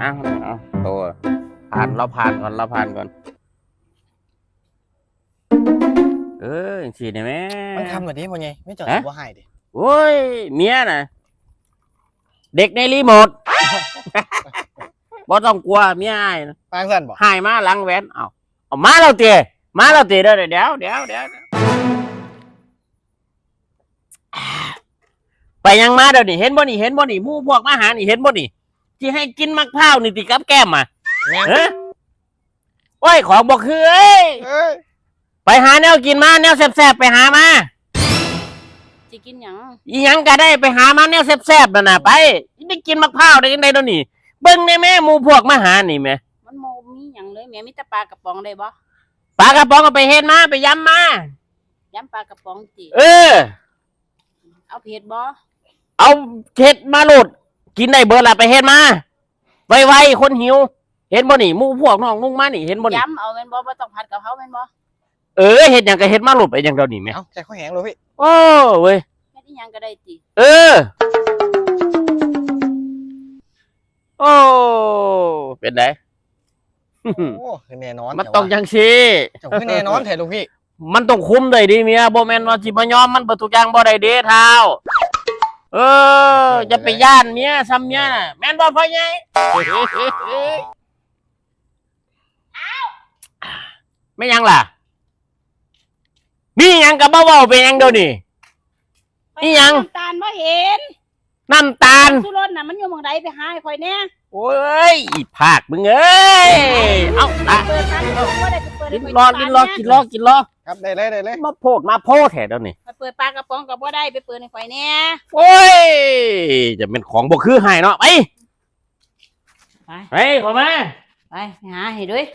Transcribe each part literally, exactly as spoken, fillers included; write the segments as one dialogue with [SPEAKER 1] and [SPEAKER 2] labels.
[SPEAKER 1] อ้าวเอาตัวผ่านเราผ่านก่อนเราผ่านก่อนเออฉีดได้ไหม
[SPEAKER 2] มันคำแบบนี้พ่อไงไม่จอดว่าให้ดิ
[SPEAKER 1] โอ้ยเมียน่ะเด็กในรีโมทบ่ต้องกลัวเมียให้
[SPEAKER 2] ปางสั่นบ่
[SPEAKER 1] ให้มาหลังแหวนเอาเอามาเราเตะมาเราเตะเด้อเดี๋ยวเดี๋ยวเดี๋ยวเดี๋ยวไปยังมาเดี๋ยวนี่เห็นบ่นี่เห็นบ่นี่หมู่พวกมาหานี่เห็นบ่นี่ที่ให้กินมะพร้าวนี่ติกับแก้มมาเฮ้ยโอ้ยของบ่คือเอ้ยไปหาแนวกินมาแนวแซ่บๆไปหามา
[SPEAKER 3] สิกินหยัง
[SPEAKER 1] อีหยังก็ได้ไปหามาแนวแซ่บๆนั่นน่ะไปได้กินมะพร้าวได้จังได๋เดี๋ยวนี้เบิ่งได้แม่หมู่พวกมาหานี่แม่
[SPEAKER 3] มันโมมีหยังเลยแม่มีแต่ปลากระป๋องได้บ่
[SPEAKER 1] ปลากระป๋องก็ไปเฮ็ดมาไปยำมาย
[SPEAKER 3] ำปลากระป๋องติ
[SPEAKER 1] เออ
[SPEAKER 3] เอาเผ็ดบ่
[SPEAKER 1] เอาเฮ็ดมาโลดกินได้เบิดล่ะไปเฮ็ดมาไวๆคนหิวเห็นบ่นี่หมู่พวกน้องนุ่งมานี่เห็นบ่นี่
[SPEAKER 3] ยำเอาแม่นบ่บ่ต้องผัดกะเพราแม่นบ่
[SPEAKER 1] เออเฮ็ดหยังก็เฮ็ดมาโลดไปจังเดี๋ยวนี้แม่
[SPEAKER 2] เอ้าใจข้อแห้งเลยพี่
[SPEAKER 1] โอ้เว้ย
[SPEAKER 3] เฮ็ดอีหยังก็ได้ติ
[SPEAKER 1] เออโอ้เป็นไง
[SPEAKER 2] โอ้คือแน่นอน
[SPEAKER 1] มันต้องจังซี่
[SPEAKER 2] จบคือแน่นอนแท้ลูกพี่
[SPEAKER 1] มันต้องคุ้มได้ดิเมียบ่แม่นว่าสิมายอมมันเบิดทุกอย่างบ่ได้เด้เท้าเออจะไปย่านเมียซ้ำเมียน่ะแม่นบ่พ่อใหญ่ไม่ยังล่ะมีหยังก็บ่เว้าเป็นหยังเดี๋ยวนี้อีหยัง
[SPEAKER 3] น้ำตาลบ่เห็น
[SPEAKER 1] น้ำตาล
[SPEAKER 3] สุรสน่ะมันอยู่หม้องใดไปหาให้ข่อยแน่
[SPEAKER 1] โอ้ยอีภาคมึงเอ้ยเอ้าอ่ะ
[SPEAKER 3] เปิดร้านบ่ได้ไปเปิด
[SPEAKER 1] กินรอกินรอกินรอกินรอ
[SPEAKER 2] ครับได้เลยได้เลย
[SPEAKER 1] มาโพดมาโพดแท้เดี๋ยวนี้
[SPEAKER 3] ไปเปิดปลากระป๋องก็บ่ได้ไปเปิดให้ข่อยแน่
[SPEAKER 1] โอ้ยจะเป็นของบ่คือให้เนาะไป
[SPEAKER 3] ไป
[SPEAKER 1] ไปขอมา
[SPEAKER 3] ไปหาให้ด้วย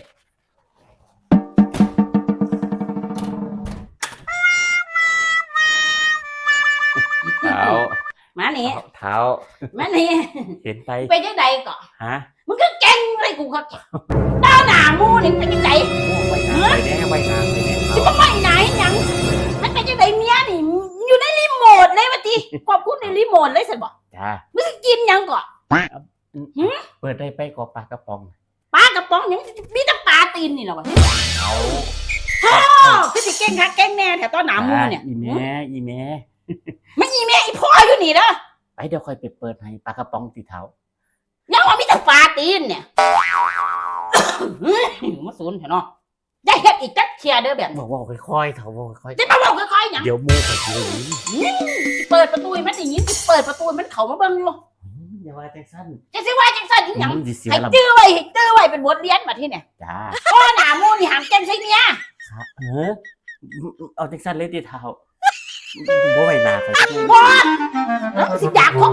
[SPEAKER 1] เท้า
[SPEAKER 3] มานี่
[SPEAKER 1] เท้า
[SPEAKER 3] มานี่
[SPEAKER 1] เห็นไป
[SPEAKER 3] ไปจังได๋ก็
[SPEAKER 1] ฮะ
[SPEAKER 3] มึงก็เก่งเลยกูก็ดาวหน้ามูนี่ไปจังได๋
[SPEAKER 1] ไว้นาไปแน่ไว้นาไปแน่
[SPEAKER 3] สิบ่ไม่ไหนหยังมันเป็นจังได๋เมียนี่อยู่ในรีโมทเลยว่าติควบคุมในรีโมทเลยซั่นบ่
[SPEAKER 1] จ้า
[SPEAKER 3] มึงสิกินหยังก็
[SPEAKER 1] เปิดได้ไปก็ปลากระป๋อง
[SPEAKER 3] ปลากระป๋องหยังมีแต่ปลาตีนนี่ล่ะวะ
[SPEAKER 1] เอา
[SPEAKER 3] โธ่คือสิเก่งคักเก่งแน่แถวตอนหน้ามูเนี่ย
[SPEAKER 1] อีแม่อีแม่
[SPEAKER 3] มันอีแม่อีพ่ออยู่นี่เด้อ
[SPEAKER 1] ไปเดี๋ยวค่อยไปเปิดให้ปลากระป๋องติเท้า
[SPEAKER 3] ยังว่ามีแต่ปลาตีนเนี่ยมาสูนเถอะเนาะได้เฮ็ดอีกจักเชียเด้อแบบ
[SPEAKER 1] บอกว่าค่อยๆเถาบอกค่อย
[SPEAKER 3] ๆจะมาบอกค่อยๆหยัง
[SPEAKER 1] เดี๋ยวมูเขาสิ
[SPEAKER 3] ได้ยินเปิดประตูมันได้ยินเปิดประตูมันเข้ามาเบิ่งอยู่
[SPEAKER 1] อย่าว่าจังซั่น
[SPEAKER 3] จะสิว่าจังซั่นอีหยังให้จื้อไว้ให้จื้อไว้เป็นบทเรียนบัดทีเนี่ย
[SPEAKER 1] จ้า
[SPEAKER 3] พ่อหน้ามูนี่ห้ามเก่งใส่เมีย
[SPEAKER 1] เออเอาจังซั่นเลยติเท้าบ่ไว้หน้าเขา
[SPEAKER 3] บ่แล้วสิด่าคอ